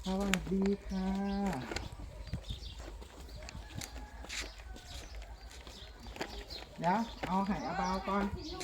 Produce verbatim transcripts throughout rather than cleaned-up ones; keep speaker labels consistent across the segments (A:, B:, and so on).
A: สวัสดีค่ะเดี๋ยวเอาไห่อาบาวก่อน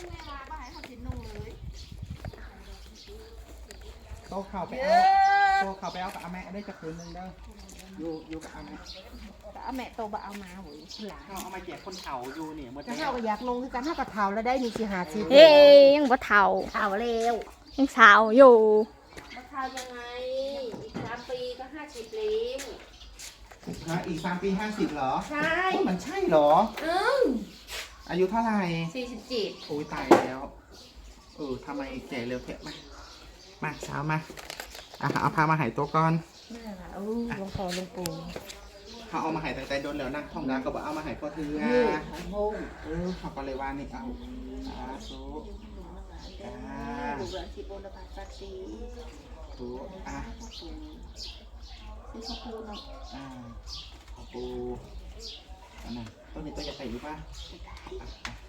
A: โตเข่าไปเอาโตเข่าไปเอากับอาแม่ได้จะคืนนึงเด้ออยู่อยู่กับอาแม่
B: เอาแม่โตบ่เอามาหวยหลาน
A: เขาเอามาแจกคนเฒ่าอยู่เนี่ยหมด
B: ถ้า
A: แล้
B: เฮาว ก็อยากลงคือกันเฮาก็เฒ่าแล้วได้นี่สิหาสิ
C: เฮ้ยยังบ่เฒ่า
B: เฒ่าแล้ว
C: ยังสาวอยู่
B: บ่เฒ่ายังไงอีกสามปีก็ห้าสิบแล้ว
A: ฮะอีกสามปีห้าสิบเหรอ
B: ใช่
A: โอ้ยมันใช่เหรอ
B: อืม
A: อายุเท่าไหร่
B: สี่สิบเจ็ด
A: โอ้ยตายแล้วเออทำไมแก่เร็วแท้มามาเช้ามาอ่ะเอาพามาหายตัวก่อน
B: นั่นล่ะอู้ลงคอลงปู
A: เขาเอามาหายตั้งแต่โดนแล้วนั่งท่องดาก็บอกเอามาหายพ่อเทือ
B: นี่หอยโมง
A: เออเขาก็เลยว่านี่เอาสาธุ
B: จ้าบุกหลานสิบโอนบาทสักสี
A: ถูอ่ะ
B: ซื้อข้าวปูเนาะ
A: อ่าขอบปูอันนั้นต้นนี้ต้นจะใส่อยู่ป่ะอ่ะ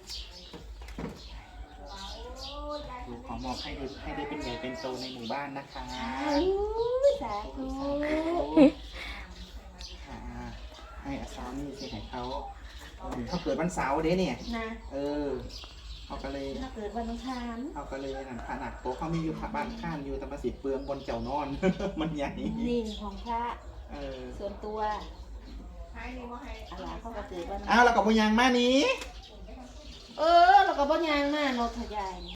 A: อ่ะดูขอมอบให้ได้ให้ได้เป็นใหญ่เป็นโตในหมู่บ้านนะคะ
B: สาธุ
A: ค่ะให้อาซาวนี่สิให้เขาเขาเกิดวันเสาร์เด้เนี่ย
B: นะ
A: เออเขาก็เลย
B: ถ้าเกิดวันอังคาร
A: เขาก็เลยนั่นขนาดโตเขามีอยู่บ้านข้างอยู่แต่มาสิเปลืองบนเจ้านอน มันใหญ่
B: นี่ของพระ
A: เออ
B: ส่วนตัวอะไรเขาก็เกิดวัน
A: อ้าวแล้วกับพยังมานี้
B: เออเราก็บ่ยางมาเนาะทยาย